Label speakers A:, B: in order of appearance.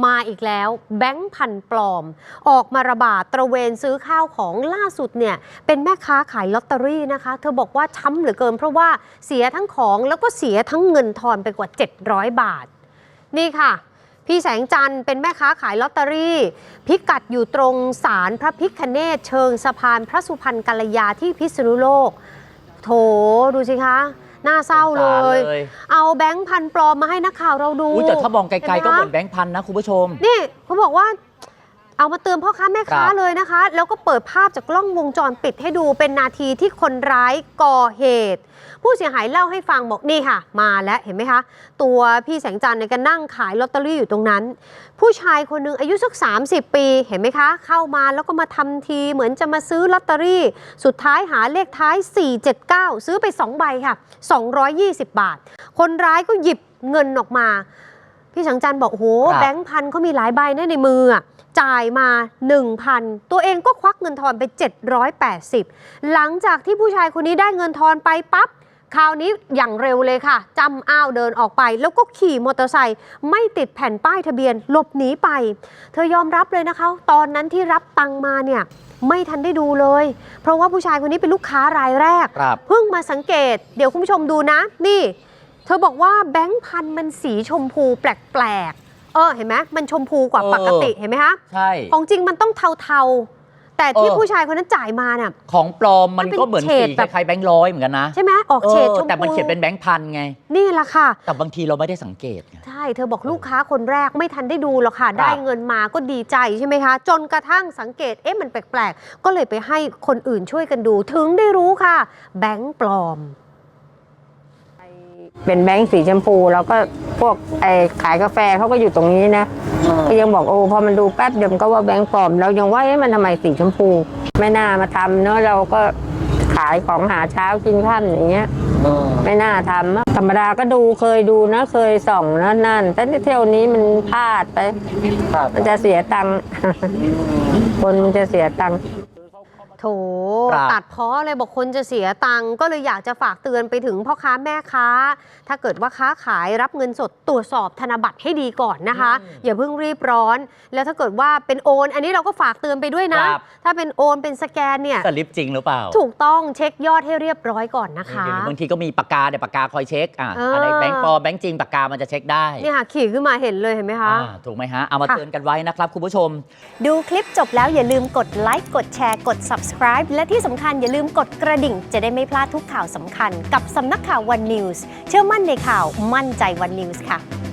A: มาอีกแล้วแบงค์พันปลอมออกมาระบาดตระเวนซื้อข้าวของล่าสุดเนี่ยเป็นแม่ค้าขายลอตเตอรี่นะคะเธอบอกว่าช้ำเหลือเกินเพราะว่าเสียทั้งของแล้วก็เสียทั้งเงินทอนไปกว่า700 บาทนี่ค่ะพี่แสงจันทร์เป็นแม่ค้าขายลอตเตอรี่พิกัดอยู่ตรงศาลพระพิฆเนศเชิงสะพานพระสุพรรณกัลยาที่พิษณุโลกโถดูสิคะน่าเศร้าเลยเอาแบงค์พันปลอมมาให้นักข่าวเราดู
B: แต่ถ้ามองไกลๆก็เหมือนแบงค์พันนะคุณผู้ชม
A: นี่เขาบอกว่าเอามาเตือนพ่อค้าแม่ค้าเลยนะคะแล้วก็เปิดภาพจากกล้องวงจรปิดให้ดูเป็นนาทีที่คนร้ายก่อเหตุผู้เสียหายเล่าให้ฟังบอกนี่ค่ะมาแล้วเห็นไหมคะตัวพี่แสงจันทร์เนี่ยก็นั่งขายลอตเตอรี่อยู่ตรงนั้นผู้ชายคนนึงอายุสัก30 ปีเห็นไหมคะเข้ามาแล้วก็มาทำทีเหมือนจะมาซื้อลอตเตอรี่สุดท้ายหาเลขท้าย479ซื้อไป2ใบค่ะ220 บาทคนร้ายก็หยิบเงินออกมาพี่แสงจันทร์บอกโอ้โหแบงค์พันเขามีหลายใบนะในมือจ่ายมา 1,000 ตัวเองก็ควักเงินทอนไป780หลังจากที่ผู้ชายคนนี้ได้เงินทอนไปปั๊บคราวนี้อย่างเร็วเลยค่ะจำอ้าวเดินออกไปแล้วก็ขี่มอเตอร์ไซค์ไม่ติดแผ่นป้ายทะเบียนหลบหนีไปเธอยอมรับเลยนะคะตอนนั้นที่รับตังมาเนี่ยไม่ทันได้ดูเลยเพราะว่าผู้ชายคนนี้เป็นลูกค้ารายแรกเพิ่งมาสังเกตเดี๋ยวคุณผู้ชมดูนะนี่เธอบอกว่าแบงค์พันมันสีชมพูแปลกเห็นไหมมันชมพูกว่าปกติเห็นไหมคะ
B: ใช่
A: ของจริงมันต้องเทาๆแต่ที่ผู้ชายคนนั้นจ่ายมาเนี่ย
B: ของปลอมมันก็เหมือนสีคล้ายๆแบงค์ร้อยเหมือนกันนะ
A: ใช่ไหมออกเฉดชมพู
B: แต่มันเขียนเป็นแบงค์พันไง
A: นี่แหละค่ะ
B: แต่บางทีเราไม่ได้สังเกต
A: ใช่เธอบอกลูกค้าคนแรกไม่ทันได้ดูหรอกค่ะได้เงินมาก็ดีใจใช่ไหมคะจนกระทั่งสังเกตมันแปลกๆก็เลยไปให้คนอื่นช่วยกันดูถึงได้รู้ค่ะแบงค์ปลอม
C: เป็นแบงค์สีชมพูแล้วก็พวกขายกาแฟเขาก็อยู่ตรงนี้นะก็ยังบอกพอมันดูแป๊บเดียวก็ว่าแบงค์ปลอมเรายังว่ามันทำไมสีชมพูไม่น่ามาทำเนอะเราก็ขายของหาเช้ากินค่ำอย่างเงี้ยไม่น่าทำธรรมดาก็ดูเคยดูนะเคยส่องนั่นแต่เที่ยวนี้มันพลาดไปมันจะเสียตังค์คนมันจะเสียตังค์
A: โถตัดพ้อเลยบอกคนจะเสียตังค์ก็เลยอยากจะฝากเตือนไปถึงพ่อค้าแม่ค้าถ้าเกิดว่าค้าขายรับเงินสดตรวจสอบธนบัตรให้ดีก่อนนะคะอย่าเพิ่งรีบร้อนแล้วถ้าเกิดว่าเป็นโอนอันนี้เราก็ฝากเตือนไปด้วยนะถ้าเป็นโอนเป็นสแกนเนี่ย
B: สลิปจริงหรือเปล่า
A: ถูกต้องเช็คยอดให้เรียบร้อยก่อนนะคะ
B: บางทีก็มีปากกาปากกาคอยเช็คอะไรแบงค์ปลอมแบงค์จริงปากกามันจะเช็คได้
A: นี่ค่ะขี่ขึ้นมาเห็นเลยเห็นไหมคะ
B: ถูกไหมฮะเอามาเตือนกันไว้นะครับคุณผู้ชม
A: ดูคลิปจบแล้วอย่าลืมกดไลค์กดแชร์กด subscribe และที่สำคัญอย่าลืมกดกระดิ่งจะได้ไม่พลาดทุกข่าวสำคัญกับสำนักข่าว One News เชื่อมั่นในข่าวมั่นใจ One News ค่ะ